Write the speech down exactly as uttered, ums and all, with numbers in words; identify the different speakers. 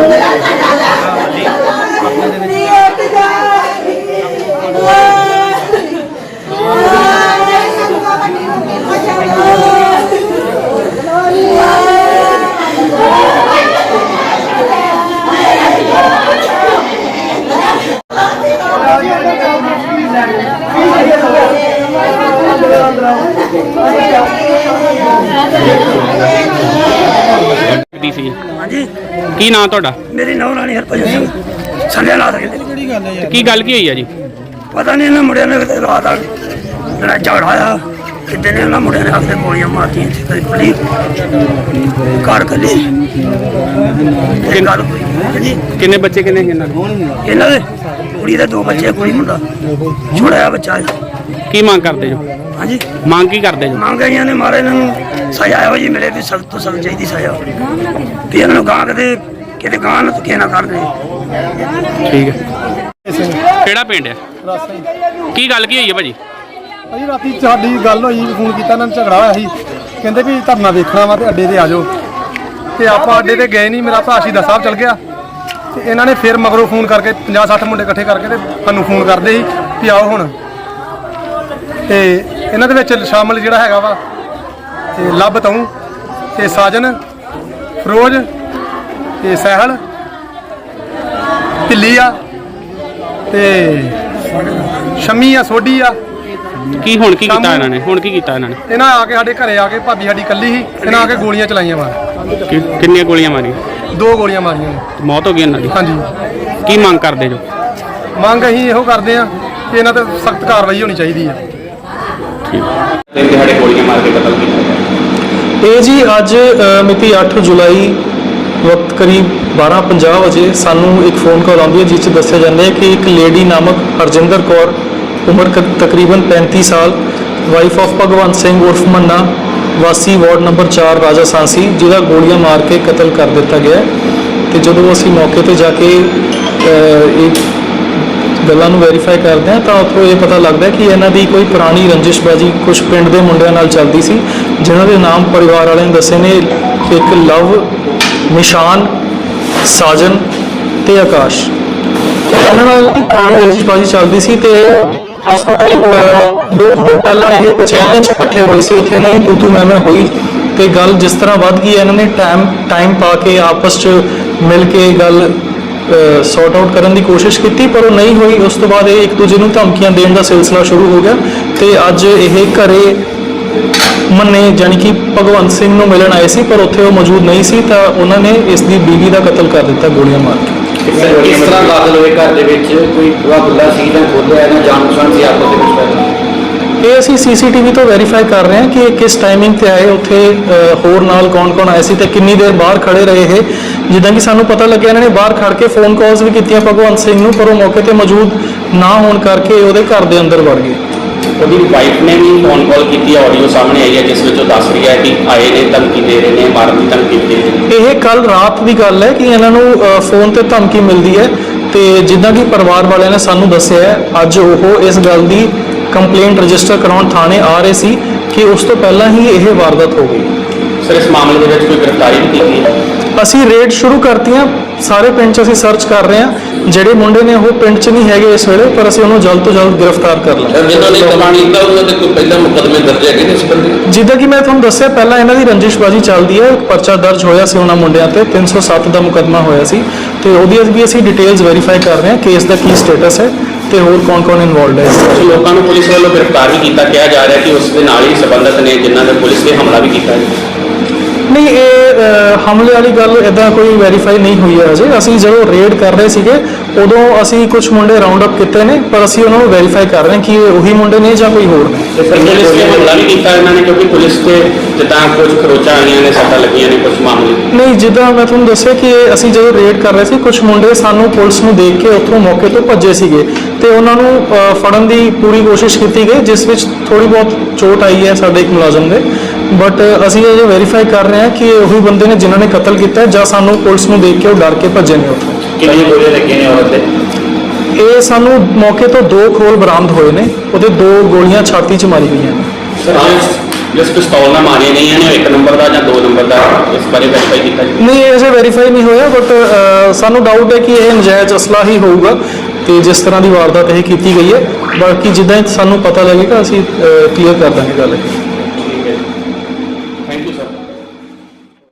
Speaker 1: की नाम तुहाडा?
Speaker 2: मेरी नौ रानी हरभजन सिंह संध्या ला सकते
Speaker 1: की गल की हुई है जी?
Speaker 2: पता नहीं इन्होंने मुंडिया ने रात आ लड़ाई झगड़ा आया कि दिन इन्होंने मुंडिया ने आके गोलियां मारती कली घर कली गल
Speaker 1: किन्ने बच्चे किन्ने
Speaker 2: इन्हों के कुड़ी के दो बच्चे कुड़ी मुंडा छोड़ा बच्चा
Speaker 1: की मांग करते जो?
Speaker 2: हाँ जी
Speaker 1: मांग की करते जो?
Speaker 2: मांग इन्होंने मारे इन्होंने सजा हो जी मिले भी सख्त तो सख्त चाहिए सजा भी इन्होंने गां कदे किते गां ना धक्के ना कर दे।
Speaker 1: ठीक है किहड़ा पिंड है? की गल की हुई है भाजी?
Speaker 3: भाजी राती साडी गल होई फोन किया इन्होंने झगड़ा होया सी कहंदे भी धरना देखना वा ते अड्डे ते आ जाओ ते आपां अड्डे ते गए नहीं मेरा भरा शहीदा साहब चल गया ते इन्हों ने फिर मगरों फोन करके पचास सठ मुंडे इकट्ठे करके ते सानूं फोन करदे सी भी आओ हुण ते इन्हां दे विच शामिल जिहड़ा हैगा वा ते लभ तऊं ते साजन फरोज ते सहल ढिल्ली आ ते शमी आ सोडी आ
Speaker 1: की हुण की कीता इन्हां ने? हुण की कीता इन्हां ने?
Speaker 3: इन्हां आके साडे घरे आके भाभी साडी कल्ली ही इन्हां आके गोलियां चलाइयां मार
Speaker 1: कि किन्नियां गोलियां मारियां?
Speaker 3: दो गोलियां मारियां ने
Speaker 1: मौत हो गई इन्हां दी?
Speaker 3: हाँ जी
Speaker 1: की मांग करदे जो?
Speaker 3: मंग असीं इहो करदे आ कि इन्हां ते सख्त कार्रवाई होनी चाहिदी है।
Speaker 4: ਇਹ ਜੀ ਅੱਜ ਮਿਤੀ ਅੱਠ ਜੁਲਾਈ ਵਕਤ ਕਰੀਬ ਬਾਰਾਂ ਪੰਜਾਹ ਵਜੇ ਸਾਨੂੰ ਇੱਕ ਫੋਨ ਕਾਲ ਆਉਂਦੀ ਹੈ ਜਿਸ 'ਚ ਦੱਸਿਆ ਜਾਂਦਾ ਹੈ ਕਿ ਇੱਕ ਲੇਡੀ ਨਾਮਕ ਹਰਜਿੰਦਰ ਕੌਰ ਉਮਰ ਤਕਰੀਬਨ ਪੈਂਤੀ ਸਾਲ ਵਾਈਫ ਆਫ ਭਗਵੰਤ ਸਿੰਘ ਉਰਫ ਮੰਨਾ ਵਾਸੀ ਵਾਰਡ ਨੰਬਰ ਚਾਰ ਰਾਜਾ ਸਾਂਸੀ ਜਿਹਦਾ ਗੋਲੀਆਂ ਮਾਰ ਕੇ ਕਤਲ ਕਰ ਦਿੱਤਾ ਗਿਆ ਤੇ ਜਦੋਂ ਅਸੀਂ ਮੌਕੇ ਤੇ ਜਾ ਕੇ ਇੱਕ ਗੱਲਾਂ ਨੂੰ ਵੈਰੀਫਾਈ ਕਰਦੇ ਹਾਂ ਤਾਂ ਉੱਥੋਂ ਇਹ ਪਤਾ ਲੱਗਦਾ ਕਿ ਇਹਨਾਂ ਦੀ ਕੋਈ ਪੁਰਾਣੀ ਰੰਜਿਸ਼ਬਾਜੀ ਕੁਝ ਪਿੰਡ ਦੇ ਮੁੰਡਿਆਂ ਨਾਲ ਚੱਲਦੀ ਸੀ ਜਿਨ੍ਹਾਂ ਦੇ ਨਾਮ ਪਰਿਵਾਰ ਵਾਲਿਆਂ ਨੇ ਦੱਸੇ ਨੇ ਇੱਕ ਲਵ ਨਿਸ਼ਾਨ ਸਾਜਨ ਤੇ ਆਕਾਸ਼ ਇਹਨਾਂ ਨਾਲ ਪੁਰਾਣੀ ਰੰਜਿਸ਼ਬਾਜੀ ਚੱਲਦੀ ਸੀ ਤੇ ਪਹਿਲਾਂ ਇਹ ਚੈਲੰਜ ਇਕੱਠੇ ਹੋਏ ਸੀ ਉੱਥੇ ਨਹੀਂ ਤੂੰ ਤੂੰ ਮੈਂ ਮੈਂ ਹੋਈ ਤੇ ਗੱਲ ਜਿਸ ਤਰ੍ਹਾਂ ਵੱਧ ਗਈ ਇਹਨਾਂ ਨੇ ਟਾਈਮ ਟਾਈਮ ਪਾ ਕੇ ਆਪਸ 'ਚ ਮਿਲ ਕੇ ਗੱਲ ਸੌਟ ਆਊਟ ਕਰਨ ਦੀ ਕੋਸ਼ਿਸ਼ ਕੀਤੀ ਪਰ ਉਹ ਨਹੀਂ ਹੋਈ। ਉਸ ਤੋਂ ਬਾਅਦ ਇਹ ਇੱਕ ਦੂਜੇ ਨੂੰ ਧਮਕੀਆਂ ਦੇਣ ਦਾ ਸਿਲਸਿਲਾ ਸ਼ੁਰੂ ਹੋ ਗਿਆ ਤੇ ਅੱਜ ਇਹ ਘਰੇ ਮੰਨੇ ਜਾਣੀ ਕਿ ਭਗਵੰਤ ਸਿੰਘ ਨੂੰ ਮਿਲਣ ਆਏ ਸੀ ਪਰ ਉੱਥੇ ਉਹ ਮੌਜੂਦ ਨਹੀਂ ਸੀ ਤਾਂ ਉਹਨਾਂ ਨੇ ਇਸ ਦੀ ਬੀਵੀ ਦਾ ਕਤਲ ਕਰ ਦਿੱਤਾ ਗੋਲੀਆਂ ਮਾਰ ਕੇ।
Speaker 5: ਕਿਸ ਤਰ੍ਹਾਂ ਦਾਖਲ ਹੋਏ ਘਰ ਦੇ ਵਿੱਚ? ਕੋਈ ਖੁੱਲਾ ਸੀ ਜਾਂ ਖੋਲ੍ਹਿਆ ਨਾ ਜਾਣ ਪਛਾਣ ਸੀ ਆਪਸ ਦੇ ਵਿੱਚ?
Speaker 4: ਇਹ ਅਸੀਂ ਸੀ ਸੀ ਟੀ ਵੀ ਤੋਂ ਵੈਰੀਫਾਈ ਕਰ ਰਹੇ ਹਾਂ ਕਿ ਕਿਸ ਟਾਈਮਿੰਗ ਤੇ ਆਏ ਉੱਥੇ ਹੋਰ ਨਾਲ ਕੌਣ ਕੌਣ ਆਏ ਸੀ ਤੇ ਕਿੰਨੀ ਦੇਰ ਬਾਹਰ ਖੜੇ ਰਹੇ ਇਹ ਜਿੱਦਾਂ ਕਿ ਸਾਨੂੰ ਪਤਾ ਲੱਗਿਆ ਇਹਨਾਂ ਨੇ ਬਾਹਰ ਖੜ ਕੇ ਫੋਨ ਕਾਲਸ ਵੀ ਕੀਤੀਆਂ ਭਗਵੰਤ ਸਿੰਘ ਨੂੰ ਪਰ ਉਹ ਮੌਕੇ ਤੇ ਮੌਜੂਦ ਨਾ ਹੋਣ ਕਰਕੇ ਉਹਦੇ ਘਰ ਦੇ ਅੰਦਰ ਵੜ ਗਏ।
Speaker 5: ਉਹਦੀ ਵਾਈਫ ਨੇ ਵੀ ਫੋਨ ਕਾਲ ਕੀਤੀ ਆਡੀਓ ਸਾਹਮਣੇ ਆਈ ਹੈ ਜਿਸ ਵਿੱਚ ਉਹ ਦੱਸ ਰਹੀ ਹੈ ਕਿ ਆਏ ਨੇ ਧਮਕੀ ਦੇ ਰਹੇ ਨੇ ਮਾਰਨ ਦੀ ਧਮਕੀ ਦੇ ਰਹੇ ਨੇ।
Speaker 4: ਇਹ ਕੱਲ ਰਾਤ ਦੀ ਗੱਲ ਹੈ ਕਿ ਇਹਨਾਂ ਨੂੰ ਫੋਨ ਤੇ ਧਮਕੀ ਮਿਲਦੀ ਹੈ ਤੇ ਜਿੱਦਾਂ ਕਿ ਪਰਿਵਾਰ ਵਾਲਿਆਂ ਨੇ ਸਾਨੂੰ ਦੱਸਿਆ ਹੈ ਅੱਜ ਉਹ ਇਸ ਗੱਲ ਦੀ ਕੰਪਲੇਂਟ ਰਜਿਸਟਰ ਕਰਾਉਣ ਥਾਣੇ ਆ ਰਹੇ ਸੀ ਕਿ ਉਸ ਤੋਂ ਪਹਿਲਾਂ ਹੀ ਇਹ ਵਾਰਦਾਤ ਹੋ ਗਈ।
Speaker 5: ਸਰ ਇਸ ਮਾਮਲੇ ਦੇ ਵਿੱਚ ਕੋਈ ਗ੍ਰਿਫਤਾਰੀ ਵੀ ਕੀਤੀ ਹੈ?
Speaker 4: ਅਸੀਂ ਰੇਡ ਸ਼ੁਰੂ ਕਰਤੀਆਂ ਸਾਰੇ ਪਿੰਡ 'ਚ ਅਸੀਂ ਸਰਚ ਕਰ ਰਹੇ ਹਾਂ ਜਿਹੜੇ ਮੁੰਡੇ ਨੇ ਉਹ ਪਿੰਡ 'ਚ ਨਹੀਂ ਹੈਗੇ ਇਸ ਵੇਲੇ ਪਰ ਅਸੀਂ ਉਹਨੂੰ ਜਲਦ ਤੋਂ ਜਲਦ ਗ੍ਰਿਫਤਾਰ ਕਰ ਲਾਂਗੇ।
Speaker 5: ਜਿਨ੍ਹਾਂ ਨੇ ਕਮਾਂਡ ਕੀਤਾ ਉਹਨਾਂ ਦੇ ਕੋਈ ਪਹਿਲਾਂ ਮੁਕੱਦਮੇ ਦਰਜ ਹੈਗੇ ਨੇ ਇਸ ਬੰਦੇ?
Speaker 4: ਜਿੱਦਾਂ ਕਿ ਮੈਂ ਤੁਹਾਨੂੰ ਦੱਸਿਆ ਪਹਿਲਾਂ ਇਹਨਾਂ ਦੀ ਰੰਜਿਸ਼ਬਾਜੀ ਚੱਲਦੀ ਹੈ ਇੱਕ ਪਰਚਾ ਦਰਜ ਹੋਇਆ ਸੀ ਉਹਨਾਂ ਮੁੰਡਿਆਂ ਤੇ ਤਿੰਨ ਸੌ ਸੱਤ ਦਾ ਮੁਕੱਦਮਾ ਹੋਇਆ ਸੀ ਤੇ ਉਹਦੀ ਵੀ ਅਸੀਂ ਡਿਟੇਲਸ ਵੈਰੀਫਾਈ ਕਰ ਰਹੇ ਹਾਂ ਕੇਸ ਦਾ ਕੀ ਸਟੇਟਸ ਹੈ ਤੇ ਹੋਰ ਕੌਣ ਕੌਣ ਇਨਵੋਲਡ ਹੈ।
Speaker 5: ਲੋਕਾਂ ਨੂੰ ਪੁਲਿਸ ਵੱਲੋਂ ਗ੍ਰਿਫਤਾਰ ਵੀ ਕੀਤਾ ਕਿਹਾ ਜਾ ਰਿਹਾ ਕਿ ਉਸ ਦੇ ਨਾਲ ਹੀ ਸੰਬੰਧਿਤ ਨੇ ਜਿਨ੍ਹਾਂ ਨੇ ਪੁਲਿਸ ਨੇ ਹਮਲਾ ਵੀ ਕੀਤਾ ਹੈ।
Speaker 4: ਨਹੀਂ ਇਹ ਹਮਲੇ ਵਾਲੀ ਗੱਲ ਇੱਦਾਂ ਕੋਈ ਵੈਰੀਫਾਈ ਨਹੀਂ ਹੋਈ ਹੈ ਅਜੇ। ਅਸੀਂ ਜਦੋਂ ਰੇਡ ਕਰ ਰਹੇ ਸੀਗੇ ਉਦੋਂ ਅਸੀਂ ਕੁਝ ਮੁੰਡੇ ਰਾਉਂਡ ਅਪ ਕੀਤੇ ਨੇ ਪਰ ਅਸੀਂ ਉਹਨਾਂ ਨੂੰ ਵੈਰੀਫਾਈ ਕਰ ਰਹੇ ਹਾਂ ਕਿ ਇਹ ਉਹੀ ਮੁੰਡੇ ਨੇ ਜਾਂ ਕੋਈ ਹੋਰ ਨੇ।
Speaker 5: ਪੁਲਿਸ ਨੇ ਹਮਲਾ ਵੀ ਕੀਤਾ ਇਹਨਾਂ ਨੇ ਕਿਉਂਕਿ ਪੁਲਿਸ ਤੇ ਜਿੱਦਾਂ ਕੁਝ ਖਰੋਚਾਂ ਆਈਆਂ ਨੇ ਸੱਟਾਂ ਲੱਗੀਆਂ ਨੇ ਕੁਝ ਮਾਮਲੇ?
Speaker 4: ਨਹੀਂ ਜਿੱਦਾਂ ਮੈਂ ਤੁਹਾਨੂੰ ਦੱਸਿਆ ਕਿ ਅਸੀਂ ਜਦੋਂ ਰੇਡ ਕਰ ਰਹੇ ਸੀ ਕੁਝ ਮੁੰਡੇ ਸਾਨੂੰ ਪੁਲਿਸ ਨੂੰ ਦੇਖ ਕੇ ਉੱਥੋਂ ਮੌਕੇ ਤੋਂ ਭੱਜੇ ਸੀਗੇ ਤੇ ਉਹਨਾਂ ਨੂੰ ਫੜਨ ਦੀ ਪੂਰੀ ਕੋਸ਼ਿਸ਼ ਕੀਤੀ ਗਈ ਜਿਸ ਵਿੱਚ ਥੋੜੀ ਬਹੁਤ ਚੋਟ ਆਈ ਹੈ ਸਾਡੇ ਇੱਕ ਮੁਲਾਜ਼ਮ ਦੇ ਬਟ ਅਸੀਂ ਇਹ ਵੈਰੀਫਾਈ ਕਰ ਰਹੇ ਹਾਂ ਕਿ ਉਹੀ ਬੰਦੇ ਨੇ ਜਿਨ੍ਹਾਂ ਨੇ ਕਤਲ ਕੀਤਾ ਜਾਂ ਸਾਨੂੰ ਪੁਲਿਸ ਨੂੰ ਦੇਖ ਕੇ ਉਹ ਡਰ ਕੇ ਭੱਜੇ ਨੇ ਉੱਥੋਂ।
Speaker 5: ਕਿੰਨੀਆਂ ਗੋਲੀਆਂ ਲੱਗੀਆਂ ਨੇ ਔਰਤ ਦੇ?
Speaker 4: ਇਹ ਸਾਨੂੰ ਮੌਕੇ ਤੋਂ ਦੋ ਖੋਲ ਬਰਾਮਦ ਹੋਏ ਨੇ ਉਹਦੇ ਦੋ ਗੋਲੀਆਂ ਛਾਤੀ 'ਚ ਮਾਰੀ ਗਈਆਂ ਨੇ।
Speaker 5: ਸਰ ਜਿਸ ਪਿਸਤੌਲ ਨਾਲ ਮਾਰੇ ਨਹੀਂ ਇਹਨੇ ਇੱਕ ਨੰਬਰ ਦਾ ਜਾਂ ਦੋ ਨੰਬਰ ਦਾ, ਇਸ ਬਾਰੇ ਵੈਰੀਫਾਈ ਕੀਤਾ ਜੀ?
Speaker 4: ਨਹੀਂ, ਇਹ ਅਜੇ ਵੈਰੀਫਾਈ ਨਹੀਂ ਹੋਇਆ, ਬਟ ਸਾਨੂੰ ਡਾਊਟ ਹੈ ਕਿ ਇਹ ਨਜਾਇਜ਼ ਅਸਲਾ ਹੀ ਹੋਊਗਾ ਤੇ ਜਿਸ ਤਰ੍ਹਾਂ ਦੀ ਵਾਰਦਾਤ ਇਹ ਕੀਤੀ ਗਈ ਹੈ। ਬਾਕੀ ਜਿੱਦਾਂ ਹੀ ਸਾਨੂੰ ਪਤਾ ਲੱਗੇਗਾ ਅਸੀਂ ਕਲੀਅਰ ਕਰ ਦਾਂਗੇ ਗੱਲ।